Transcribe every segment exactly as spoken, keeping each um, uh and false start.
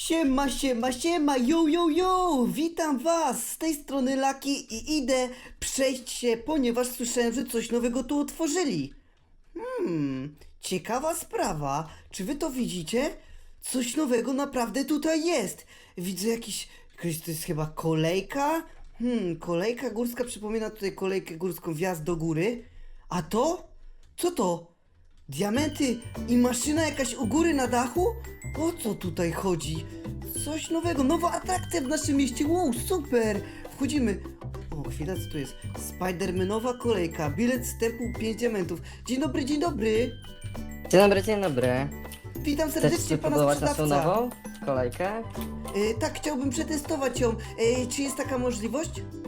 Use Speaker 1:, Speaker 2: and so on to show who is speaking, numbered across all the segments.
Speaker 1: Siema, siema, siema, yo, yo, yo! Witam was! Z tej strony Laki i idę przejść się, ponieważ słyszałem, że coś nowego tu otworzyli. Hmm, ciekawa sprawa. Czy wy to widzicie? Coś nowego naprawdę tutaj jest. Widzę jakiś, jakaś to jest chyba kolejka? Hmm, kolejka górska przypomina tutaj kolejkę górską, wjazd do góry. A to? Co to? Diamenty i maszyna jakaś u góry na dachu? O co tutaj chodzi? Coś nowego, nowa atrakcja w naszym mieście. Wow, super! Wchodzimy. O, chwila, co tu jest? Spidermanowa kolejka, bilet wstępu pięć diamentów. Dzień dobry, dzień dobry.
Speaker 2: Dzień dobry, dzień dobry.
Speaker 1: Witam
Speaker 2: Chcesz
Speaker 1: serdecznie pana
Speaker 2: spróbować naszą
Speaker 1: sprzedawca.
Speaker 2: nową kolejkę?
Speaker 1: Y, tak, chciałbym przetestować ją. Y, czy jest taka możliwość?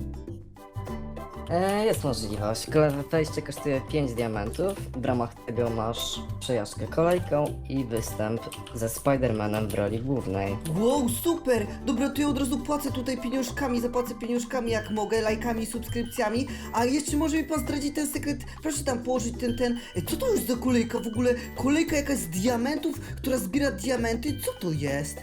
Speaker 2: E, jest możliwość. Kole- Wejście kosztuje pięć diamentów. W ramach tego masz przejażdżkę kolejką i występ ze Spidermanem w roli głównej.
Speaker 1: Wow, super! Dobra, to ja od razu płacę tutaj pieniążkami, zapłacę pieniążkami jak mogę, lajkami, subskrypcjami. A jeszcze może mi pan zdradzić ten sekret? Proszę tam położyć ten, ten... E, Co to jest za kolejka w ogóle? Kolejka jakaś z diamentów, która zbiera diamenty? Co to jest?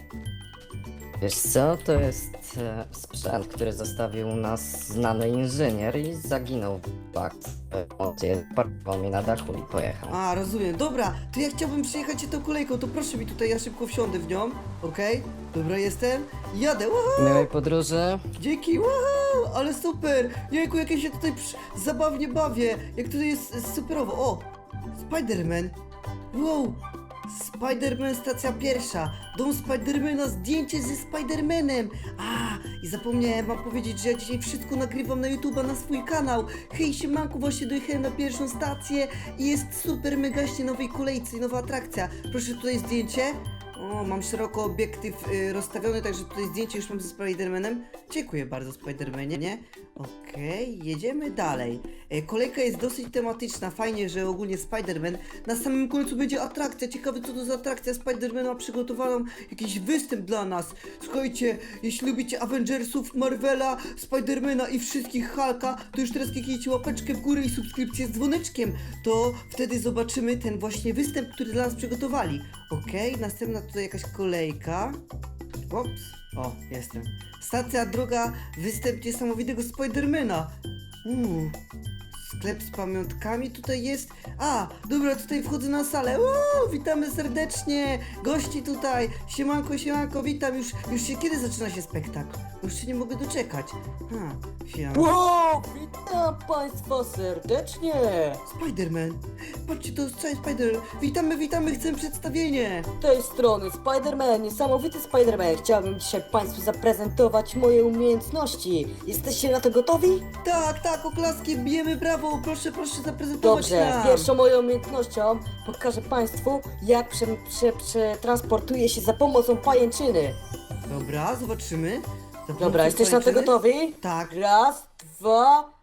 Speaker 2: Wiesz co? To jest e, sprzęt, który zostawił nas znany inżynier i zaginął w akcji. Parkował mnie na dachu i pojechał.
Speaker 1: A, rozumiem. Dobra, to ja chciałbym przejechać się tą kolejką, to proszę mi tutaj, ja szybko wsiądę w nią. Okej? Dobra, jestem. Jadę. Woohoo!
Speaker 2: Miłej podróży.
Speaker 1: Dzięki, wow, ale super! Jejku, jak ja się tutaj przy... zabawnie bawię, jak tutaj jest e, superowo. O, Spiderman. Wow, Spiderman stacja pierwsza. Dom Spidermana, zdjęcie ze Spidermanem. A, i zapomniałem wam powiedzieć, że ja dzisiaj wszystko nagrywam na YouTube'a, na swój kanał. Hej, siemanku, właśnie dojechałem na pierwszą stację i jest super megaśnie nowej kolejce i nowa atrakcja. Proszę, tutaj zdjęcie. O, mam szeroko obiektyw y, rozstawiony, także tutaj zdjęcie już mam ze Spidermanem. Dziękuję bardzo, Spidermanie, nie? Okej, jedziemy dalej. E, kolejka jest dosyć tematyczna, fajnie, że ogólnie Spiderman. Na samym końcu będzie atrakcja, ciekawe co to za atrakcja. Spiderman ma przygotowaną jakiś występ dla nas. Słuchajcie, jeśli lubicie Avengersów, Marvela, Spidermana i wszystkich Hulka, to już teraz kliknijcie łapeczkę w górę i subskrypcję z dzwoneczkiem. To wtedy zobaczymy ten właśnie występ, który dla nas przygotowali. Okej, następna tutaj jakaś kolejka. Ops, o, jestem. Stacja druga, występ niesamowitego Spidermana. Uuu, sklep z pamiątkami tutaj jest. A, dobra, tutaj wchodzę na salę. Uuu, witamy serdecznie. Gości tutaj. Siemanko, siemanko, witam. Już, już się, kiedy zaczyna się spektakl? Już się nie mogę doczekać. Ha, chwila.
Speaker 3: Wow, witam Państwa serdecznie!
Speaker 1: Spiderman. Patrzcie, to jest cały Spider. Witamy, witamy, chcę przedstawienie.
Speaker 3: Z tej strony Spider-Man, niesamowity Spider-Man. Chciałbym dzisiaj Państwu zaprezentować moje umiejętności. Jesteście na to gotowi?
Speaker 1: Tak, tak, oklaski, bijemy brawo. Proszę, proszę zaprezentować
Speaker 3: Dobrze,
Speaker 1: nam.
Speaker 3: pierwszą moją umiejętnością pokażę Państwu, jak prze, prze, przetransportuję się za pomocą pajęczyny.
Speaker 1: Dobra, zobaczymy. Za
Speaker 3: Dobra,
Speaker 1: pomocą
Speaker 3: jesteś na to
Speaker 1: pajęczyny?
Speaker 3: gotowi?
Speaker 1: Tak.
Speaker 3: Raz, dwa,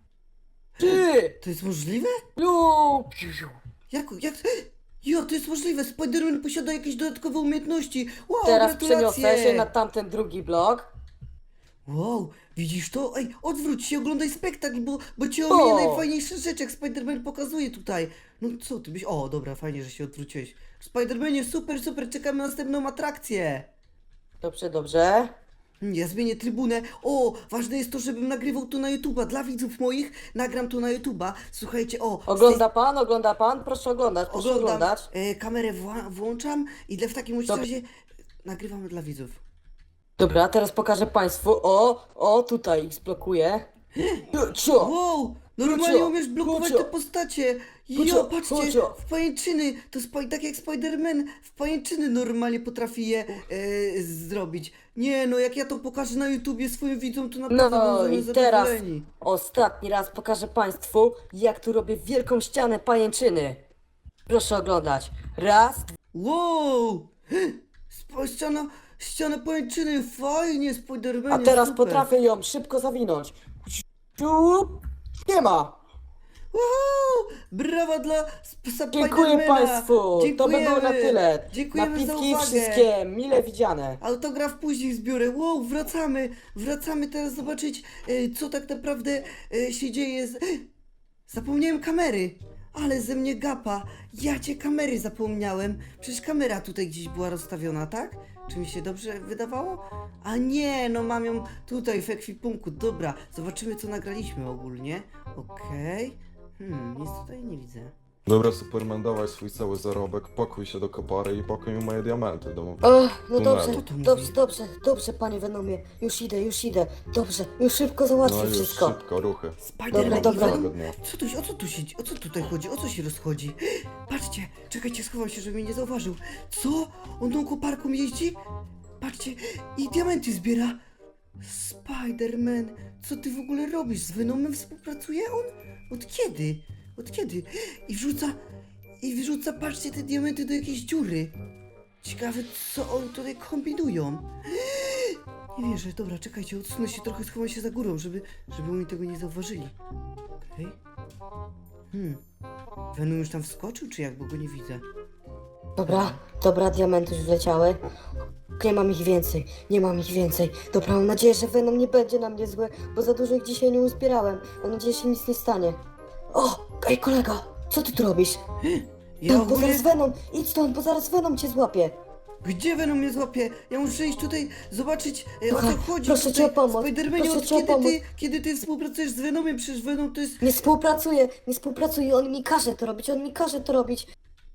Speaker 3: trzy!
Speaker 1: To jest możliwe?
Speaker 3: Lu!
Speaker 1: Jak, jak... Jo, to jest możliwe. Spiderman posiada jakieś dodatkowe umiejętności. Wow,
Speaker 3: Teraz
Speaker 1: gratulacje.
Speaker 3: przeniosę się na tamten drugi blok.
Speaker 1: Wow, widzisz to? Ej, odwróć się, oglądaj spektakl, bo, bo ci
Speaker 3: O!
Speaker 1: ominie najfajniejsze rzeczy, jak Spiderman pokazuje tutaj. No co ty byś... O, dobra, fajnie, że się odwróciłeś. Spidermanie, super, super, czekamy na następną atrakcję.
Speaker 3: Dobrze, dobrze.
Speaker 1: Ja zmienię trybunę. O, ważne jest to, żebym nagrywał to na YouTube'a. Dla widzów moich nagram to na YouTube'a. Słuchajcie, o... z tej-
Speaker 3: Ogląda pan, ogląda pan? Proszę oglądać, proszę
Speaker 1: Oglądam,
Speaker 3: oglądać.
Speaker 1: e, kamerę wła- włączam i dla, w takim bądź
Speaker 3: Dobra.
Speaker 1: razie nagrywamy dla widzów.
Speaker 3: Dobra, teraz pokażę państwu. O, o, tutaj ich zblokuję. Co?
Speaker 1: Wow! Normalnie
Speaker 3: Kurczę,
Speaker 1: umiesz blokować
Speaker 3: kurczę.
Speaker 1: te postacie!
Speaker 3: Kurczę,
Speaker 1: Jo, patrzcie!
Speaker 3: kurczę.
Speaker 1: W pajęczyny! To spa- tak jak Spider-Man w pajęczyny normalnie potrafi je e, zrobić. Nie no, jak ja to pokażę na YouTubie swoim widzom, to naprawdę
Speaker 3: No
Speaker 1: będą
Speaker 3: i teraz
Speaker 1: zadowoleni.
Speaker 3: ostatni raz pokażę państwu, jak tu robię wielką ścianę pajęczyny. Proszę oglądać. Raz,
Speaker 1: Wow! Spa- Ściana, ściana pajęczyny, fajnie, Spider-Man.
Speaker 3: a teraz
Speaker 1: super.
Speaker 3: potrafię ją szybko zawinąć. Ciup, nie ma.
Speaker 1: Woohoo! Brawa dla Sp-
Speaker 3: Dziękuję
Speaker 1: Spidermana.
Speaker 3: państwu. To by było na tyle.
Speaker 1: Dziękujemy za
Speaker 3: Napiwki
Speaker 1: uwagę.
Speaker 3: wszystkie mile widziane.
Speaker 1: Autograf później zbiorę. Wow, wracamy. Wracamy teraz zobaczyć, e, co tak naprawdę e, się dzieje z... Zapomniałem kamery. Ale ze mnie gapa. Ja cię kamery zapomniałem. Przecież kamera tutaj gdzieś była rozstawiona, tak? Czy mi się dobrze wydawało? A nie, no mam ją tutaj w ekwipunku. Dobra, zobaczymy co nagraliśmy ogólnie. Okej. Hmm, nic tutaj nie widzę.
Speaker 4: Dobra, Superman, dawaj swój cały zarobek, pakuj się do kopary i pakuj mi moje diamenty do...
Speaker 3: O, no
Speaker 4: Tunelu.
Speaker 3: dobrze,
Speaker 1: Co to mówi?
Speaker 3: dobrze, dobrze, dobrze, panie Venomie. Już idę, już idę. Dobrze, już szybko załatwię
Speaker 4: No już
Speaker 3: wszystko.
Speaker 4: szybko, ruchy.
Speaker 1: Spiderman,
Speaker 3: Dobra,
Speaker 1: i
Speaker 3: dobra.
Speaker 1: Venom?
Speaker 4: Dnia.
Speaker 1: Co tu, o co tu się, o co tutaj chodzi? O co się rozchodzi? Patrzcie, czekajcie, schowam się, żeby mnie nie zauważył. Co? On tą koparką jeździ? Patrzcie, i diamenty zbiera. Spiderman, co ty w ogóle robisz? Z Venomem współpracuje on? Od kiedy? Od kiedy? I wrzuca, i wrzuca, patrzcie, te diamenty do jakiejś dziury. Ciekawe, co oni tutaj kombinują. Nie wierzę, dobra, czekajcie, odsunę się trochę, schowam się za górą, żeby, żeby oni tego nie zauważyli. Okej. Hmm. Venom już tam wskoczył, czy jak, bo go nie widzę?
Speaker 3: Dobra, dobra, diamenty już wleciały. Nie mam ich więcej, nie mam ich więcej. Dobra, mam nadzieję, że Venom nie będzie na mnie zły, bo za dużo ich dzisiaj nie uzbierałem. Mam nadzieję, że się nic nie stanie. O, ej kolego, co ty tu robisz?
Speaker 1: Ja
Speaker 3: No, bo
Speaker 1: ogólnie...
Speaker 3: zaraz Venom, idź stąd, bo zaraz Venom cię złapie.
Speaker 1: Gdzie Venom mnie złapie? Ja muszę iść tutaj zobaczyć, e, o co
Speaker 3: Słuchaj,
Speaker 1: chodzi
Speaker 3: proszę
Speaker 1: tutaj.
Speaker 3: cię o pomoc,
Speaker 1: Spidermanie,
Speaker 3: proszę
Speaker 1: od
Speaker 3: cię o
Speaker 1: kiedy
Speaker 3: pomoc.
Speaker 1: ty, kiedy ty współpracujesz z Venomem? Przecież Venom to jest...
Speaker 3: Nie współpracuje, nie współpracuje, on mi każe to robić, on mi każe to robić.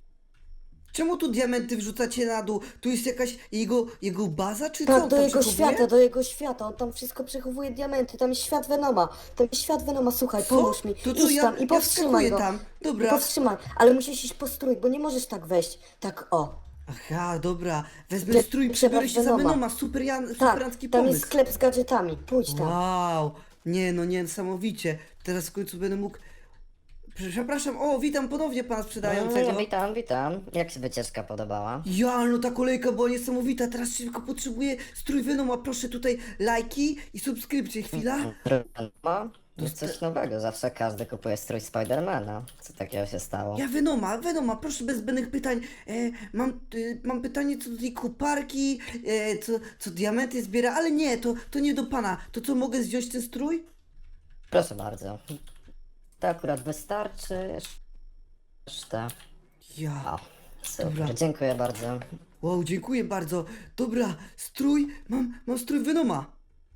Speaker 1: Czemu tu diamenty wrzucacie na dół? Tu jest jakaś jego, jego baza, czy co
Speaker 3: Tak,
Speaker 1: on
Speaker 3: do
Speaker 1: tam
Speaker 3: jego
Speaker 1: przechowuje?
Speaker 3: świata, do jego świata, on tam wszystko przechowuje diamenty, tam jest świat Venoma, tam jest świat Venoma, słuchaj,
Speaker 1: Co?
Speaker 3: pomóż mi,
Speaker 1: To co,
Speaker 3: idź
Speaker 1: ja,
Speaker 3: tam i
Speaker 1: ja
Speaker 3: powstrzymaj
Speaker 1: wskakuję
Speaker 3: go.
Speaker 1: tam.
Speaker 3: I
Speaker 1: Dobra.
Speaker 3: powstrzymaj, ale musisz iść po strój, bo nie możesz tak wejść, tak o.
Speaker 1: Aha, dobra. Wezmę
Speaker 3: Ty-
Speaker 1: strój i
Speaker 3: trzeba
Speaker 1: przebiorę się za
Speaker 3: Venoma.
Speaker 1: Venoma. Super, Jan,
Speaker 3: Tak,
Speaker 1: superancki
Speaker 3: tam
Speaker 1: pomysł.
Speaker 3: jest sklep z gadżetami, pójdź tam.
Speaker 1: Wow. Nie no, niesamowicie. Teraz w końcu będę mógł... Przepraszam, o, witam ponownie pana sprzedającego.
Speaker 2: No, witam, witam. Jak się wycieczka podobała?
Speaker 1: Ja, no ta kolejka była niesamowita. Teraz szybko potrzebuję strój Venoma. Proszę tutaj lajki i subskrypcje. Chwila.
Speaker 2: No, jest coś nowego. Zawsze każdy kupuje strój Spidermana. Co takiego się stało?
Speaker 1: Ja Venoma, Venoma, proszę bez zbędnych pytań. E, mam, e, mam pytanie co do tej koparki, e, co, co diamenty zbiera, ale nie, to, to nie do pana. To co, mogę zdjąć ten strój?
Speaker 2: Proszę bardzo. To akurat wystarczy. Reszta.
Speaker 1: Ja.
Speaker 2: O, super.
Speaker 1: Dobra.
Speaker 2: Dziękuję bardzo.
Speaker 1: Wow, dziękuję bardzo. Dobra, strój, mam, mam strój Venoma.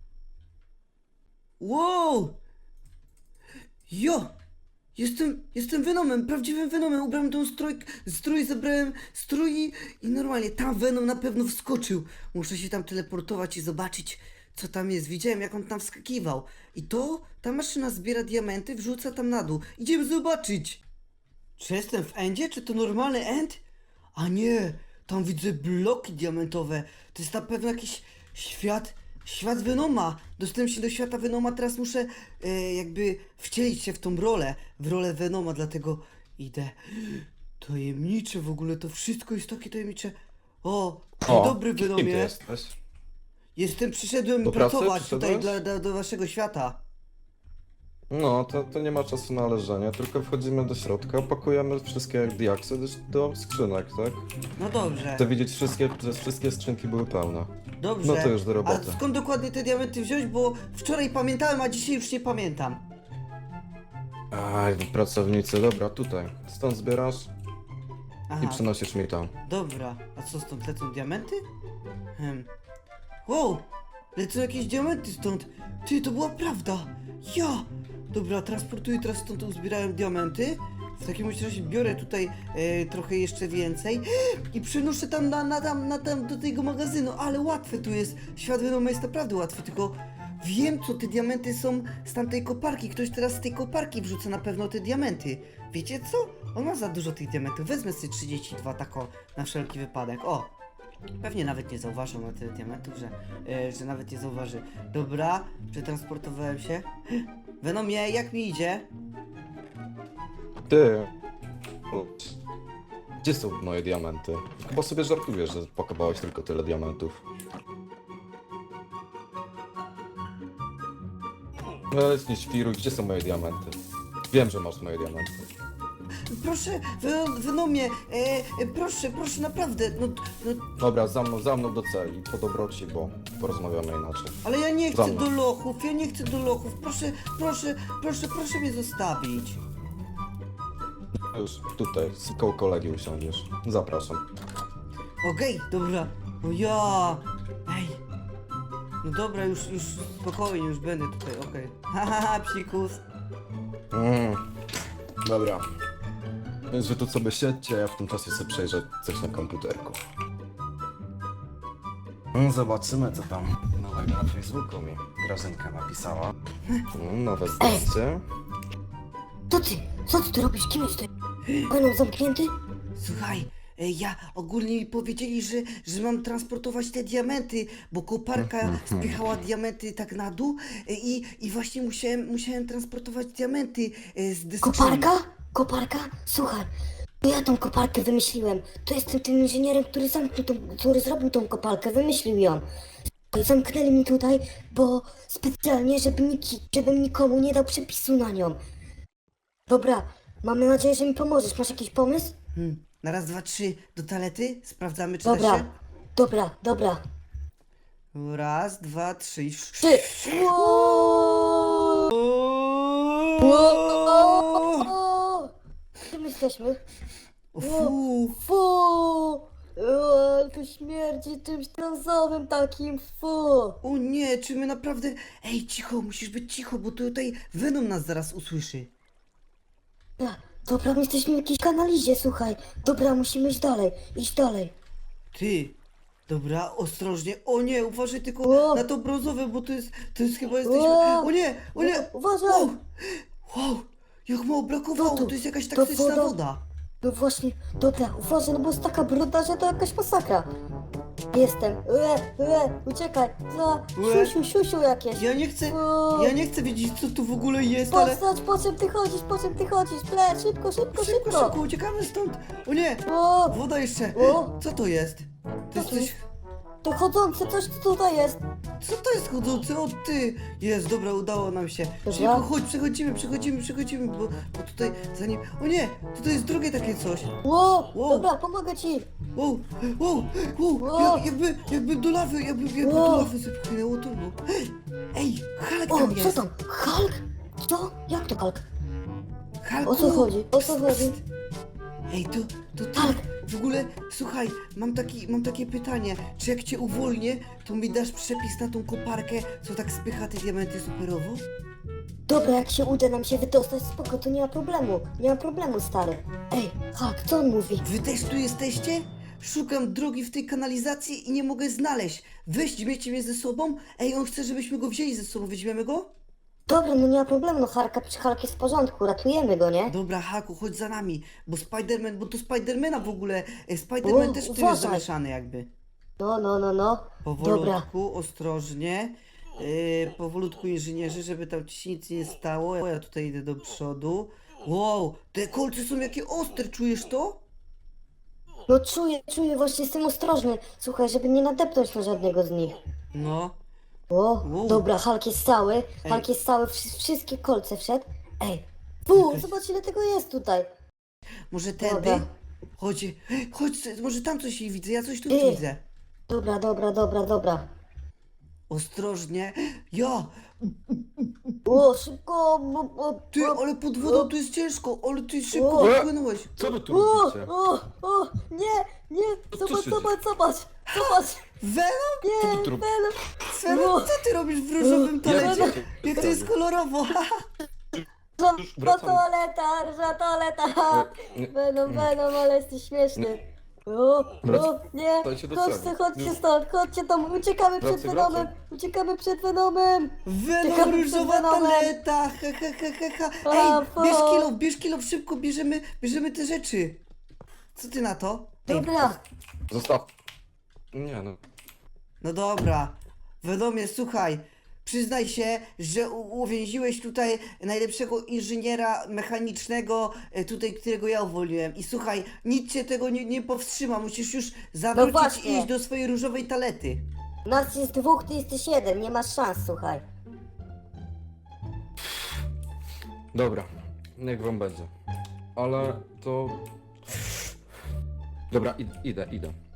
Speaker 1: Wow! Jo! Jestem, jestem Venomem, prawdziwym Venomem. Ubrałem tą strój, strój, zabrałem strój i, i normalnie tam Venom na pewno wskoczył. Muszę się tam teleportować i zobaczyć, co tam jest. Widziałem, jak on tam wskakiwał. I to, ta maszyna zbiera diamenty, wrzuca tam na dół. Idziemy zobaczyć. Czy jestem w endzie? Czy to normalny end? A nie, tam widzę bloki diamentowe. To jest na pewno jakiś świat, świat Venoma. Dostałem się do świata Venoma, teraz muszę e, jakby wcielić się w tą rolę, w rolę Venoma, dlatego idę. Tajemnicze w ogóle, to wszystko jest takie tajemnicze. O, dzień dobry
Speaker 4: kim ty
Speaker 1: Venomie.
Speaker 4: jesteś?
Speaker 1: Jestem, przyszedłem
Speaker 4: Do pracy
Speaker 1: pracować tutaj
Speaker 4: przyszedłeś?
Speaker 1: dla, dla, do waszego świata.
Speaker 4: No, to, to nie ma czasu na leżenie, tylko wchodzimy do środka, pakujemy wszystkie diaksy do, do skrzynek, tak?
Speaker 1: No dobrze,
Speaker 4: Chcę widzieć wszystkie, że wszystkie skrzynki były pełne.
Speaker 1: dobrze.
Speaker 4: No to już do roboty.
Speaker 1: A skąd dokładnie te diamenty wziąć, bo wczoraj pamiętałem, a dzisiaj już nie pamiętam.
Speaker 4: Aj, pracownicy, dobra, tutaj. Stąd zbierasz
Speaker 1: Aha.
Speaker 4: i przynosisz mi tam.
Speaker 1: Dobra, a co stąd lecą diamenty? Hmm. Wow! Lecą jakieś diamenty stąd! Ty, to była prawda! Ja! Dobra, transportuję teraz stąd, uzbierałem diamenty. W takim razie biorę tutaj e, trochę jeszcze więcej i przenoszę tam na, na, tam, na tam do tego magazynu, ale łatwe tu jest. Świat Venoma jest naprawdę łatwy, tylko wiem, co te diamenty są z tamtej koparki. Ktoś teraz z tej koparki wrzuca na pewno te diamenty. Wiecie co? On ma za dużo tych diamentów. Wezmę sobie trzydzieści dwa tako na wszelki wypadek. O! Pewnie nawet nie zauważył na tyle diamentów, że, e, że nawet nie zauważy. Dobra, przetransportowałem się. Venomie, jak mi idzie?
Speaker 4: Ty! Gdzie są moje diamenty? Chyba sobie żartujesz, że pakowałeś tylko tyle diamentów. No ale nie świruj, gdzie są moje diamenty? Wiem, że masz moje diamenty.
Speaker 1: Proszę, Ven- Venomie, e, e, proszę, proszę, naprawdę, no, no,
Speaker 4: Dobra, za mną, za mną do celi, po dobroci, bo porozmawiamy inaczej.
Speaker 1: ale ja nie
Speaker 4: Za
Speaker 1: chcę
Speaker 4: mną.
Speaker 1: do lochów, ja nie chcę do lochów, proszę, proszę, proszę, proszę mnie zostawić.
Speaker 4: już tutaj, z koło kolegi usiądziesz. Zapraszam.
Speaker 1: Okej, dobra. O ja! Ej! No dobra, już, już spokojnie, już będę tutaj, okej. Haha, psikus.
Speaker 4: Mm. Dobra. Więc wy tu sobie siedźcie, ja w tym czasie sobie przejrzę coś na komputerku. Mm, Zobaczymy, co tam nowego na Facebooku mi Grażynka napisała. Mm, Nowe zdjęcie.
Speaker 3: Co ty? Co ty tu robisz? Kim jesteś? Venom zamknięty?
Speaker 1: Słuchaj, e, ja ogólnie mi powiedzieli, że, że mam transportować te diamenty, bo koparka spychała diamenty tak na dół e, i, i właśnie musiałem, musiałem transportować diamenty e, z deseczami.
Speaker 3: Koparka? Koparka? Słuchaj, to ja tą koparkę wymyśliłem. To jestem tym inżynierem, który zamknął tą, który zrobił tą koparkę, wymyślił ją. Zamknęli mi tutaj, bo specjalnie, żeby niki, żebym nikomu nie dał przepisu na nią. Dobra, mam nadzieję, że mi pomożesz. Masz jakiś pomysł?
Speaker 1: Hmm. Na raz, dwa, trzy do toalety, sprawdzamy czy da
Speaker 3: Dobra,
Speaker 1: się.
Speaker 3: dobra, dobra.
Speaker 1: Raz, dwa, trzy.
Speaker 3: Trzy. Wow! Wow! Gdzie my jesteśmy?
Speaker 1: Fu.
Speaker 3: Fu! O, ale to śmierdzi czymś brązowym takim, fu!
Speaker 1: O nie, czy my naprawdę... Ej, cicho, musisz być cicho, bo tutaj Venom nas zaraz usłyszy.
Speaker 3: Ja, dobra, my jesteśmy w jakiejś kanalizie, słuchaj. Dobra, musimy iść dalej, iść dalej.
Speaker 1: Ty. Dobra, ostrożnie. O nie, uważaj tylko
Speaker 3: O!
Speaker 1: na to brązowe, bo to jest, to jest chyba jesteśmy...
Speaker 3: O!
Speaker 1: O nie, o nie.
Speaker 3: U- uważaj!
Speaker 1: Wow, wow, jak mało brakowało,
Speaker 3: Co to?
Speaker 1: to jest jakaś
Speaker 3: To
Speaker 1: taktyczna
Speaker 3: woda?
Speaker 1: woda.
Speaker 3: No właśnie, dobra, uważaj, no bo jest taka brudna, że to jakaś masakra. Jestem, ue, ue, uciekaj, za,
Speaker 1: Ue.
Speaker 3: siusiu, siusiu jakieś.
Speaker 1: Ja nie chcę,
Speaker 3: O!
Speaker 1: ja nie chcę wiedzieć co tu w ogóle jest, ale...
Speaker 3: Postać, po czym ty chodzisz, po czym ty chodzisz, ple, szybko, szybko,
Speaker 1: Szybko,
Speaker 3: szybko.
Speaker 1: szybko, uciekamy stąd. O nie,
Speaker 3: O,
Speaker 1: woda jeszcze.
Speaker 3: O!
Speaker 1: Co to jest? To jest
Speaker 3: to
Speaker 1: coś...
Speaker 3: to chodzące coś co tutaj jest.
Speaker 1: Co to jest chodzący? O ty! Jest, dobra, udało nam się.
Speaker 3: Dobra.
Speaker 1: Szybko, chodź, przechodzimy, przechodzimy, przechodzimy, bo, bo tutaj zanim... O nie! Tutaj jest drugie takie coś.
Speaker 3: Ło,
Speaker 1: Wow.
Speaker 3: dobra, pomogę ci.
Speaker 1: Wow, wow, wow,
Speaker 3: Wow.
Speaker 1: jak, jakby, jakby do lawy, jakby, jakby
Speaker 3: Wow.
Speaker 1: do lawy zepchnęło to, no. Ej, Hulk
Speaker 3: O,
Speaker 1: tam
Speaker 3: co
Speaker 1: jest.
Speaker 3: tam? Hulk? Co? Jak to Hulk?
Speaker 1: Hulku.
Speaker 3: O co chodzi? O co
Speaker 1: Psst,
Speaker 3: chodzi?
Speaker 1: psst. Ej, to, to ty,
Speaker 3: Hulk.
Speaker 1: w ogóle, słuchaj, mam, taki, mam takie pytanie, czy jak cię uwolnię, to mi dasz przepis na tą koparkę, co tak spycha te diamenty superowo?
Speaker 3: Dobra, jak się uda nam się wydostać, spoko, to nie ma problemu. Nie ma problemu, stary. Ej, Hulk, co on mówi?
Speaker 1: Wy też tu jesteście? Szukam drogi w tej kanalizacji i nie mogę znaleźć. Weźmiecie mnie ze sobą? Ej, on chce, żebyśmy go wzięli ze sobą, weźmiemy go?
Speaker 3: Dobra, no nie ma problemu, no Hulka, przy Hulk jest w porządku, ratujemy go, nie?
Speaker 1: Dobra, Haku, chodź za nami, bo Spiderman, bo to Spidermana w ogóle, e, Spiderman
Speaker 3: O,
Speaker 1: też tu
Speaker 3: uważaj.
Speaker 1: jest zamieszany jakby.
Speaker 3: No, no, no, no. Dobra.
Speaker 1: Powolutku, ostrożnie, yy, powolutku inżynierzy, żeby tam ci się nic nie stało. Ja tutaj idę do przodu. Wow, te kolce są jakie ostre, czujesz to?
Speaker 3: No czuję, czuję, właśnie jestem ostrożny. Słuchaj, żeby nie nadepnąć na żadnego z nich.
Speaker 1: No,
Speaker 3: O,
Speaker 1: Wow.
Speaker 3: dobra, Hulk jest cały,
Speaker 1: Ej.
Speaker 3: Hulk jest cały, wszy- wszystkie kolce wszedł. Ej, fu,
Speaker 1: Jakaś-
Speaker 3: zobacz ile tego jest tutaj.
Speaker 1: może tędy?
Speaker 3: Dobra.
Speaker 1: Chodź, chodź, może tam coś widzę, ja coś tu
Speaker 3: Ej.
Speaker 1: widzę.
Speaker 3: Dobra, dobra, dobra, dobra.
Speaker 1: Ostrożnie. Ja,
Speaker 3: O, szybko, bo, bo,
Speaker 1: ty,
Speaker 3: bo,
Speaker 1: ale pod wodą tu jest ciężko, ale ty szybko
Speaker 3: O.
Speaker 1: wypłynąłeś.
Speaker 4: Co wy tu
Speaker 3: o,
Speaker 4: robicie?
Speaker 3: o, o, nie, nie,
Speaker 4: co
Speaker 3: zobacz,
Speaker 4: się
Speaker 3: zobacz, zobacz, zobacz,
Speaker 1: Venom?
Speaker 3: nie,
Speaker 4: Co ty tu rob-
Speaker 3: Venom,
Speaker 1: Venom,
Speaker 3: O.
Speaker 1: co ty robisz w różowym
Speaker 3: Ja
Speaker 1: talecie?
Speaker 4: cię-
Speaker 1: Jak to jest kolorowo.
Speaker 3: ża
Speaker 4: wracam.
Speaker 3: toaleta, ża toaleta,
Speaker 4: nie.
Speaker 3: Venom, Venom, ale jesteś śmieszny. O, o, nie,
Speaker 4: Wracajcie do
Speaker 3: chodźcie,
Speaker 4: celi.
Speaker 3: chodźcie
Speaker 4: Już.
Speaker 3: stąd, chodźcie tam, uciekamy przed
Speaker 4: Wracaj,
Speaker 3: Venomem,
Speaker 4: wracaj.
Speaker 3: uciekamy przed Venomem.
Speaker 1: Venom,
Speaker 3: Ciekawe,
Speaker 1: różowa
Speaker 3: co Venomem.
Speaker 1: taleta, ha, ha, ha, ha, ha.
Speaker 3: A,
Speaker 1: Ej,
Speaker 3: fu.
Speaker 1: bierz kilo, bierz kilo, szybko bierzemy, bierzemy te rzeczy. Co ty na to? Ej,
Speaker 3: Dobra,
Speaker 4: Zostaw. Nie no.
Speaker 1: no dobra. Venomie, słuchaj, przyznaj się, że u- uwięziłeś tutaj najlepszego inżyniera mechanicznego, e, tutaj, którego ja uwolniłem. I słuchaj, nic cię tego nie, nie powstrzyma, musisz już zawrócić i
Speaker 3: właśnie.
Speaker 1: iść do swojej różowej talety.
Speaker 3: nas jest dwóch, ty jesteś jeden, nie masz szans, słuchaj.
Speaker 4: Dobra, niech wam będzie. Ale to... Dobra, id idę, idę.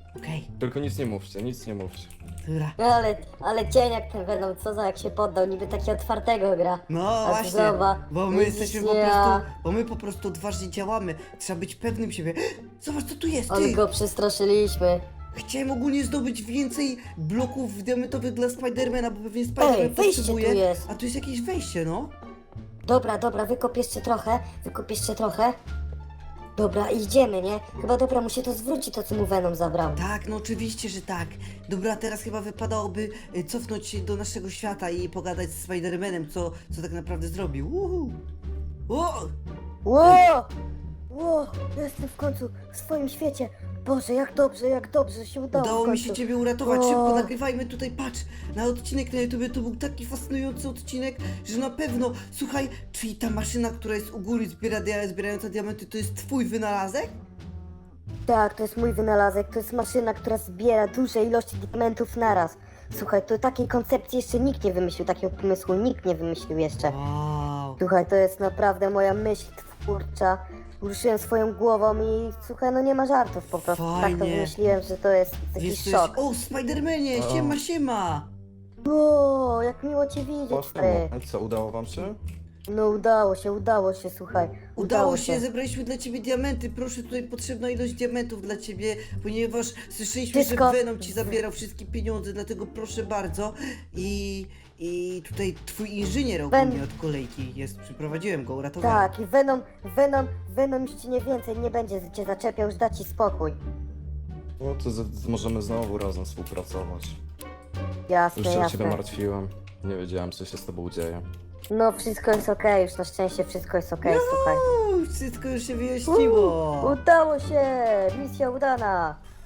Speaker 1: Okej,
Speaker 4: Tylko nic nie mówcie, nic nie mówcie.
Speaker 1: dobra.
Speaker 3: No ale, ale cień jak ten Venom, co za jak się poddał, niby taki otwartego gra.
Speaker 1: No
Speaker 3: A
Speaker 1: właśnie,
Speaker 3: zobacz,
Speaker 1: bo my
Speaker 3: widzisz,
Speaker 1: jesteśmy po
Speaker 3: ja-
Speaker 1: prostu, bo my po prostu odważnie działamy. Trzeba być pewnym siebie. Zobacz, co tu jest,
Speaker 3: Ale
Speaker 1: ty!
Speaker 3: go przestraszyliśmy.
Speaker 1: Chciałem ogólnie zdobyć więcej bloków diamentowych dla Spidermana, bo pewnie Spiderman
Speaker 3: Ej, wejście
Speaker 1: potrzebuje.
Speaker 3: tu jest.
Speaker 1: A tu jest jakieś wejście, no.
Speaker 3: Dobra, dobra, wykop jeszcze trochę, wykop jeszcze trochę. Dobra, idziemy, nie? Chyba dobra, mu się to zwróci, to co mu Venom zabrał.
Speaker 1: Tak, no oczywiście, że tak. Dobra, teraz chyba wypadałoby y, cofnąć się do naszego świata i pogadać z Spidermanem, co, co tak naprawdę zrobił. Uhu. O!
Speaker 3: Ło! Ło! Jestem w końcu w swoim świecie. Boże, jak dobrze, jak dobrze się udało
Speaker 1: Udało
Speaker 3: w
Speaker 1: mi
Speaker 3: końcu.
Speaker 1: się ciebie uratować,
Speaker 3: O.
Speaker 1: szybko nagrywajmy tutaj, patrz, na odcinek na YouTube, to był taki fascynujący odcinek, że na pewno, słuchaj, czyli ta maszyna, która jest u góry zbiera, dia- zbierająca diamenty, to jest twój wynalazek?
Speaker 3: Tak, to jest mój wynalazek, to jest maszyna, która zbiera duże ilości diamentów naraz. Słuchaj, to takiej koncepcji jeszcze nikt nie wymyślił, takiego pomysłu nikt nie wymyślił jeszcze.
Speaker 1: Wow.
Speaker 3: Słuchaj, to jest naprawdę moja myśl twórcza. Ruszyłem swoją głową i słuchaj, no nie ma żartów po prostu. Tak to
Speaker 1: Fajnie.
Speaker 3: wymyśliłem, że to jest
Speaker 1: Wiesz,
Speaker 3: jakiś
Speaker 1: co jest...
Speaker 3: szok.
Speaker 1: O, Spidermanie,
Speaker 4: O.
Speaker 1: siema, siema!
Speaker 3: O, jak miło cię widzieć,
Speaker 4: Właśnie,
Speaker 3: stary.
Speaker 4: no. Co, udało wam się?
Speaker 3: No udało się, udało się, słuchaj.
Speaker 1: Udało się, zebraliśmy dla ciebie diamenty, proszę, tutaj potrzebna ilość diamentów dla ciebie, ponieważ słyszeliśmy,
Speaker 3: Wszystko-
Speaker 1: że Venom ci zabierał wszystkie pieniądze, dlatego proszę bardzo i... I tutaj twój inżynier ogólnie od kolejki jest, przyprowadziłem go, uratowałem.
Speaker 3: Tak, i Venom, Venom, Venom już ci nie więcej nie będzie cię zaczepiał, już da ci spokój.
Speaker 4: No to z, z, możemy znowu razem współpracować.
Speaker 3: Jasne,
Speaker 4: Już się o
Speaker 3: jasne.
Speaker 4: ciebie martwiłem. Nie wiedziałem, co się z tobą dzieje.
Speaker 3: No wszystko jest okej, już na szczęście wszystko jest okej, słuchaj.
Speaker 1: Uuu, wszystko już się wyjaśniło.
Speaker 3: Udało się! Misja udana!